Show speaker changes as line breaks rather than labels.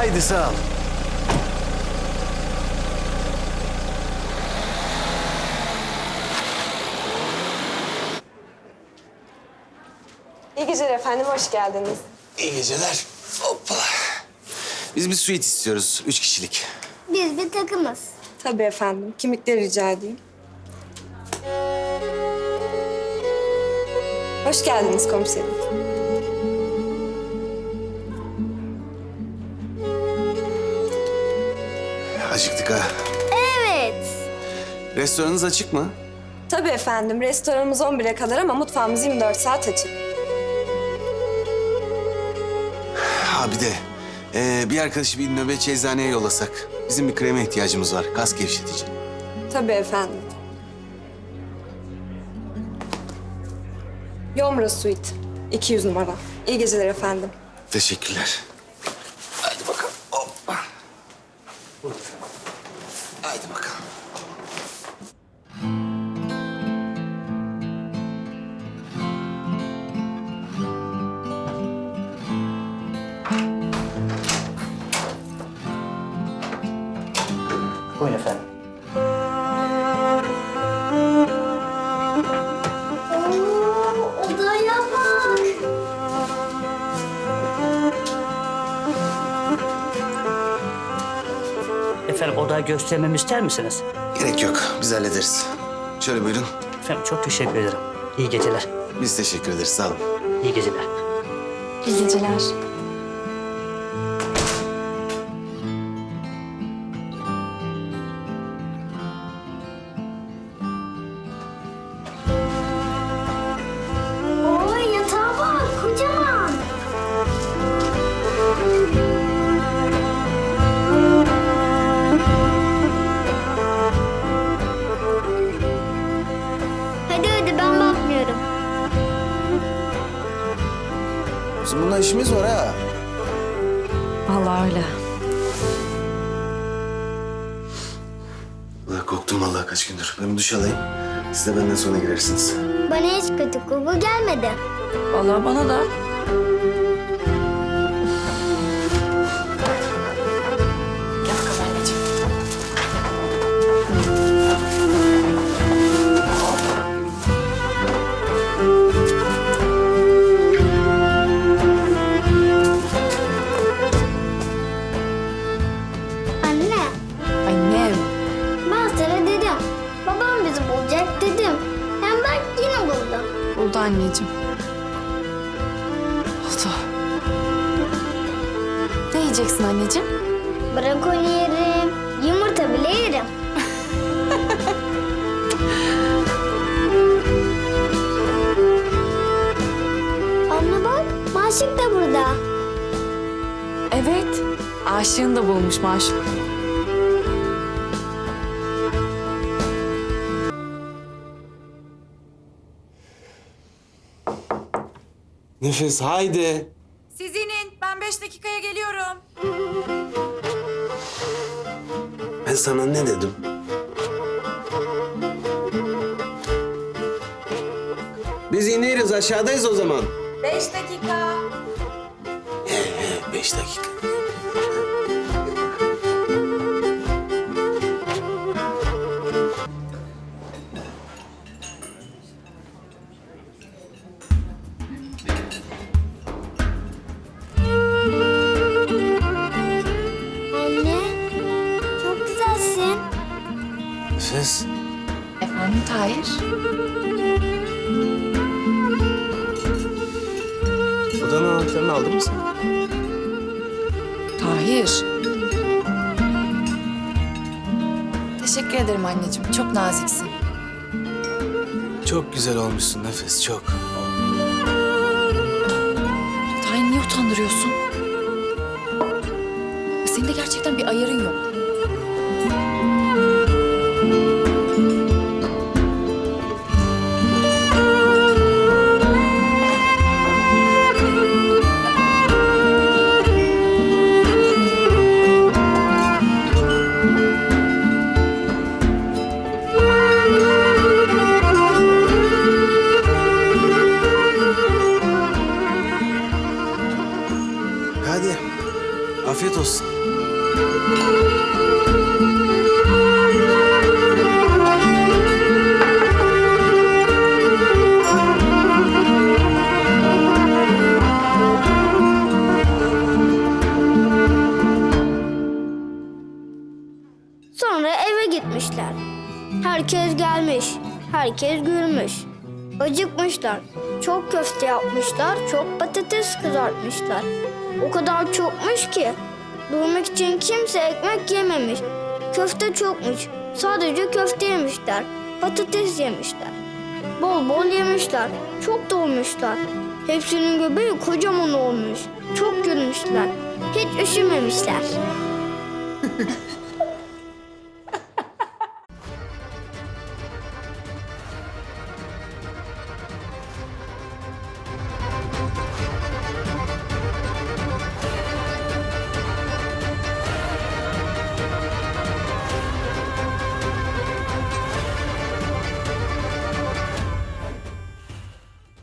Haydi sağ ol.
İyi geceler efendim, hoş geldiniz.
İyi geceler. Hoppala. Biz bir suite istiyoruz. 3 kişilik.
Biz bir takımız.
Tabii efendim, kimlikleri rica edeyim. Hoş geldiniz komiserim.
Acıktık ha.
Evet.
Restoranınız açık mı?
Tabii efendim, restoranımız 11'e kadar ama mutfağımız 24 saat açık.
Ha bir de bir arkadaşı bir nöbetçi eczaneye yollasak. Bizim bir kreme ihtiyacımız var. Kas gevşetici.
Tabii efendim. Yomra Suite, 200 numara. İyi geceler efendim.
Teşekkürler. Haydi bakalım. Hoppa. Haydi bakalım.
Buyurun efendim.
Odaya bak.
Efendim odayı göstermemi ister misiniz?
Gerek yok. Biz hallederiz. Şöyle buyurun.
Efendim çok teşekkür ederim. İyi geceler.
Biz teşekkür ederiz. Sağ olun.
İyi geceler.
İyi geceler.
Oy yatağa bak kocaman. Hadi ben bakmıyorum.
Bizim bununla işimiz var ha.
Vallahi öyle.
Ulan korktum vallahi kaç gündür. Ben bir duş alayım. Siz de benden sonra girersiniz.
Bana hiç kötü koku gelmedi.
Vallahi bana da. Gel bakalım anneciğim.
Anne,
Annem.
ben sana dedim. Babam bizi bulacak dedim. Hem bak yine buldu.
Buldu anneciğim. Oldu. Ne yiyeceksin anneciğim?
Brokoli yerim, yumurta bile yerim. Anne bak, Maşık da burada.
Evet, aşığını da bulmuş maşuk.
Nefes haydi.
Siz inin, ben 5 dakikaya geliyorum.
Ben sana ne dedim? Biz ineriz aşağıdayız o zaman.
5 dakika.
5 dakika.
Anne, çok güzelsin.
Nefes.
Efendim Tahir?
Odanın anahtarını aldın mı sen?
Tahir. Teşekkür ederim anneciğim, çok naziksin.
Çok güzel olmuşsun Nefes, çok.
Tahir niye utandırıyorsun? Senin de gerçekten bir ayarın yok.
Hadi. Afiyet olsun. olsun.
Sonra eve gitmişler. Herkes gelmiş, herkes gülmüş. Acıkmışlar. Çok köfte yapmışlar, çok patates kızartmışlar. O kadar çokmuş ki durmak için kimse ekmek yememiş. Köfte çokmuş. Sadece köfte yemişler. Patates yemişler. Bol bol yemişler. Çok dolmuşlar. Hepsinin göbeği kocaman olmuş. Çok gülmüşler. Hiç üşümemişler.